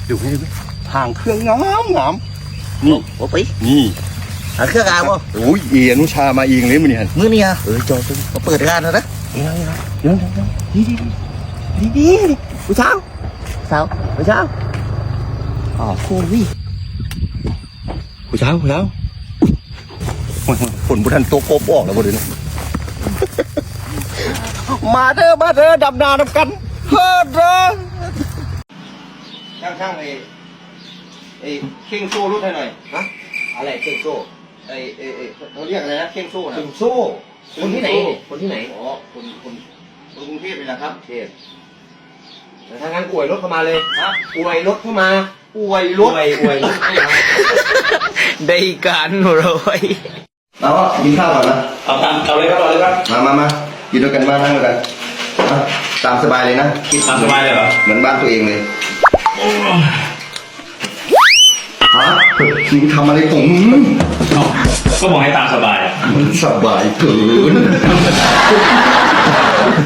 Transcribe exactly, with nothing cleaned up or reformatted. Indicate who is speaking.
Speaker 1: ดูให้ดูทางเครื่องงามงามนี่
Speaker 2: โอ้ไป
Speaker 1: นี่
Speaker 2: หาเครื่องอาบ่
Speaker 1: โอ้ยเอียนุชามาเองเลยมันนี่ฮะ
Speaker 2: มื้อนี้อ่ะเออจอยมาเปิดงานแล้วนะ
Speaker 1: เดี๋ยวเดี๋ยวเดี๋ยวเดี๋ยวดีดีดีดีดีผู้สาวสาวผู้สาวอ๋อโอ้ยผู้สาวผู้สาวฝนบุทันโตโกบออกแล้วบุทันมาเด้อมาเด้อดำนาดำกันเฮ้อเด้อช่างช่างไอ้ไอ้เข่งโซ่รุดให้หน่อย
Speaker 2: ฮะอะไรเก่งโซ่
Speaker 1: ไอ้ไอ้ไอ้เขาเรียกอะไรนะเข่งโซ่นะ
Speaker 2: เก่งโซ่คนที่ไหนเนี่ยคนที่ไหน
Speaker 1: อ๋อคนคนคนกรุงเทพนี่แหละครับ
Speaker 2: เทพแต่ถ้างั้นอวยรถเข้ามาเลย
Speaker 1: ฮะ
Speaker 2: อวยรถเข้ามา
Speaker 1: ป่วยร
Speaker 2: อ
Speaker 1: ถ
Speaker 2: วยอวยรถเข้ามาได้การเลย
Speaker 1: เราก็กินข้าวก่อนนะ
Speaker 3: เอาตามเอาเลยครับเอาเลยครับ
Speaker 1: มามามากินด้วยกันมานั่งด้วยกันอ่ะตามสบายเลยนะกิน
Speaker 3: ตามสบายเลยเหรอ
Speaker 1: เหมือนบ้านตัวเองเลยฮะคิงทำอะไรผม
Speaker 3: เอ้าก็บอกให้ตามสบายอ่ะ
Speaker 1: มันสบายเกิน